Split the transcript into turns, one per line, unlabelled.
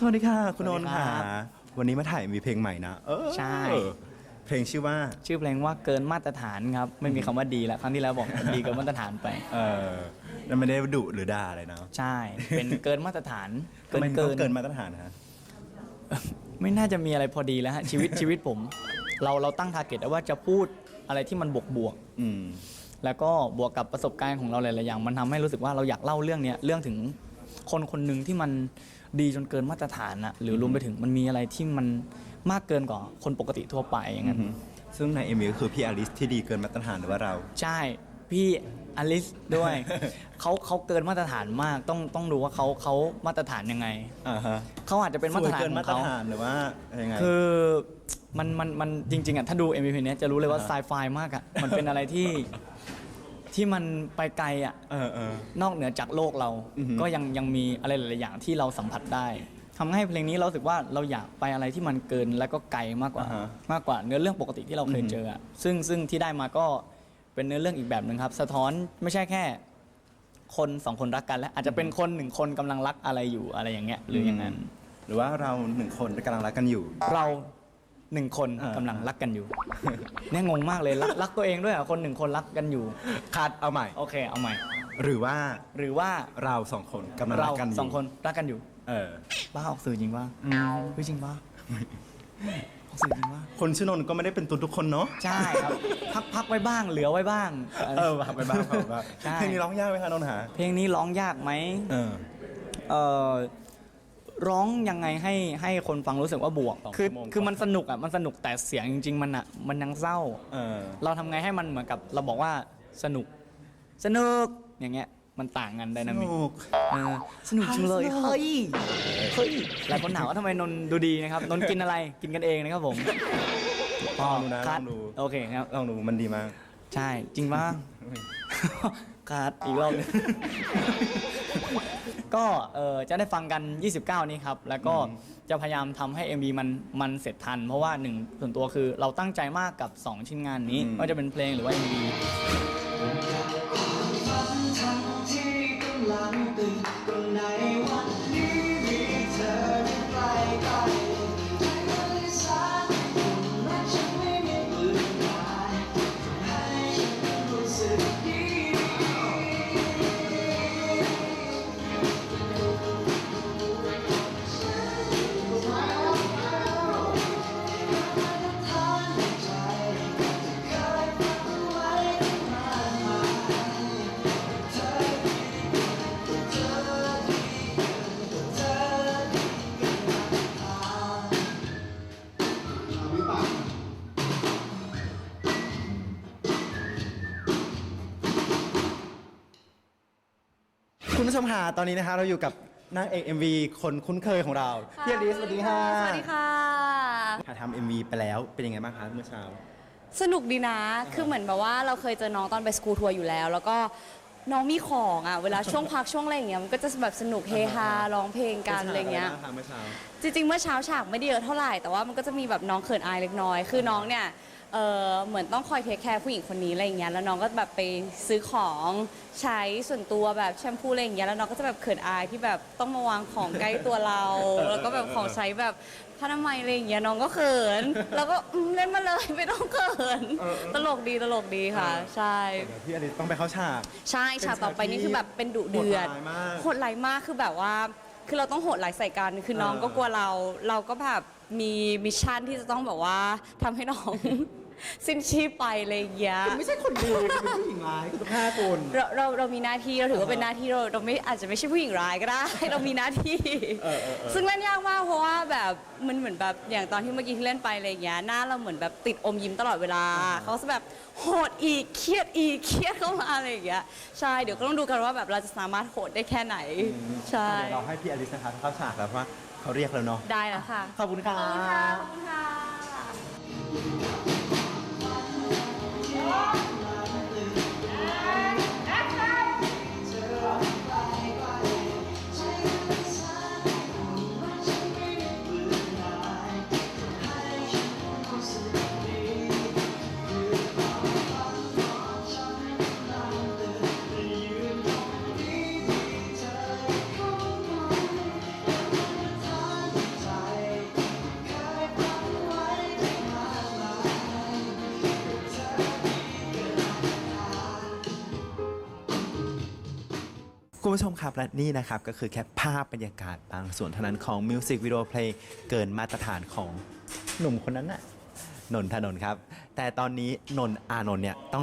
วัสดีค่ะคุณนนท์ค่ะ
สวัสดีครับ
วันนี้มาถ่ายมีเพลงใหม่นะ
ใช่
เพลงชื่อว่า
ชื่อเพลงว่าเกินมาตรฐานครับไม่มีคำว่าดีแล้วครั้งที่แล้วบอกดีเกินมาตรฐานไป
แล้วไม่ได้ดุหรือด่าอะไรเนาะ
ใช่เป็นเกินมาตรฐาน
ทำไมต้องเกินมาตรฐานฮะ
ไม่น่าจะมีอะไรพอดีแล้วฮะชีวิตผมเราตั้งทาร์เก็ตว่าจะพูดอะไรที่มันบวกแล้วก็บวกกับประสบการณ์ของเราหลายๆอย่างมันทำให้รู้สึกว่าเราอยากเล่าเรื่องนี้เรื่องถึงคนคนหนึ่งที่มันดีจนเกินมาตรฐานอะหรือรวมไปถึงมันมีอะไรที่มันมากเกินกว่าคนปกติทั่วไปอย่างนั้น
ซึ่งในMVก็คือพี่อลิสที่ดีเกินมาตรฐานหรือว่าเรา
ใช่พี่อลิสด้วย เขาเกินมาตรฐานมากต้องดูว่าเขามาตรฐานยังไงเขาอาจจะเป็นมาตรฐานของเขา
หรือว่ายังไง
คือมันจริงๆอ่ะถ้าดู MV เนี้ยจะรู้เลยว่าไซไฟมากอ่ะมันเป็นอะไรที่มันไปไกลอ่ะนอกเหนือจากโลกเราก็ยังมีอะไรหลายๆอย่างที่เราสัมผัสได้ทำให้เพลงนี้เราสึกว่าเราอยากไปอะไรที่มันเกินแล้วก็ไกลมากกว่าเนื้อเรื่องปกติที่เราเคยเจออ่ะซึ่งที่ได้มาก็เป็นเนื้อเรื่องอีกแบบหนึ่งครับสะท้อนไม่ใช่แค่คนสองคนรักกันแล้วอาจจะเป็นคนหนึ่งคนกำลังรักอะไรอยู่อะไรอย่างเงี้ยหรืออย่างนั้น
หรือว่าเราหนึ่งคนกำลังรักกันอยู่
เราหนึ่งคนกำลังรักกันอยู่เนี่ยงงมากเลยรักตัวเองด้วยอ่ะคนหนึ่งคนรักกันอยู่
คัดเอาใหม่
โอเคเอาใหม่
หรือว่าเราสองคนกำลังรักกันอยู่
เราสองคนรักกันอยู่บ้าออกสื่อจริงป่ะจริงป่ะออกสื่อจริงป่ะ
คนชื่อนนท์ก็ไม่ได้เป็นตุนทุกคนเนาะ
ใช่ครับพักไว้บ้างเหลือไว้บ้าง
พักไว้บ้างเพลงนี้ร้องยากไหมคะนนท์หา
เพลงนี้ร้องยากไหมร้องยังไงให้คนฟังรู้สึกว่าบวกคือมันสนุกอ่ะมันสนุกแต่เสียงจริงๆมันยังเศร้าเราทำไงให้มันเหมือนกับเราบอกว่าสนุกอย่างเงี้ยมันต่างกันไดนามิกสนุกจังเลยเฮ้ยหลายคนถามว่าทำไมนนดูดีนะครับนนกินอะไรกินกันเองนะครับผม
ลองดูนะลองดู
โอเคครับ
ลองดูมันดีมาก
ใช่จริงป่ะคัดอีกรอบนึงก็จะได้ฟังกัน29นี้ครับแล้วก็จะพยายามทำให้ MV มันเสร็จทันเพราะว่าหนึ่งส่วนตัวคือเราตั้งใจมากกับ2ชิ้นงานนี้ว่าจะเป็นเพลงหรือว่า MV
คุณผู้ชมค่ะตอนนี้นะคะเราอยู่กับนางเอก MV คนคุ้นเคยของเราพี่อลิสสวัสดีค่ะ
สวัสดีค่ะ
ทำ MV ไปแล้วเป็นยังไงบ้างคะเมื่อเช้า
สนุกดีนะคือเหมือนแบบว่าเราเคยเจอน้องตอนไปสกูทัวร์อยู่แล้วแล้วก็น้องมีของอ่ะเวลาช่วงพักช่วงอะไรอย่างเงี้ยมันก็จะแบบสนุกเฮฮาร้องเพลงกันอะไรเงี้ยจริงๆเมื่อเช้าฉากไม่ได้เยอะเท่าไหร่แต่ว่ามันก็จะมีแบบน้องเขินอายเล็กน้อยคือน้องเนี่ยเหมือนต้องคอยเทคแคร์ผู้หญิงคนนี้อะไรอย่างเงี้ยแล้วน้องก็แบบไปซื้อของใช้ส่วนตัวแบบแชมพูอะไรอย่างเงี้ยแล้วน้องก็จะแบบเขินอายที่แบบต้องมาวางของใกล้ตัวเราแล้วก็แบบของใช้แบบผ้าอนามัยอะไรอย่างเงี้ยน้องก็เขินแล้วก็เล่นมาเลยไม่ต้องเขินตลกดีค่ะใช่
พี่อลิสต้องไปเข้าฉาก
ใช่ฉากต่อไปนี่คือแบบเป็นดุเดือดโหดร้ายมากคือแบบว่าคือเราต้องโหดหลายใส่กันคือน้องก็กลัวเราก็แบบมีมิชชั่นที่จะต้องแบบว่าทำให้น้องสิ้นชีพไปอะไรอย่างเงี้ย
ไม่ใช่คนดีเป็นผู้หญิงร้ายคือฆ่าคน
เรามีหน้าที่เราถือว่าเป็นหน้าที่เราไม่อาจจะไม่ใช่ผู้หญิงร้ายก็ได้เรามีหน้าที่ซึ่งเล่นยากมากเพราะว่าแบบมันเหมือนแบบอย่างตอนที่เมื่อกี้ที่เล่นไปอะไรอย่างเงี้ยหน้าเราเหมือนแบบติดอมยิ้มตลอดเวลาเขาจะแบบโหดอีกเครียดเข้ามาอะไรอย่างเงี้ยใช่เดี๋ยวก็ต้องดูกันว่าแบบเราจะสามารถโหดได้แค่ไหนใช่
เราให้พี่อลิสนะคะเข้าฉากแล้วเพราะว่าเขาเรียกแล้วเนาะ
ได้แล้วค่ะ
ขอบคุณค่ะ
ขอบคุณค่ะ
ผู้ชมครับและนี่นะครับก็คือแค่ภาพบรรยากาศบางส่วนเท่านั้นของมิวสิกวิดีโอเพลงเกินมาตรฐานของ
หนุ่มคนนั้นน่ะ
นนทนนท์ครับ แต่ตอนนี้นนท์อานนท์เนี่ยต้อง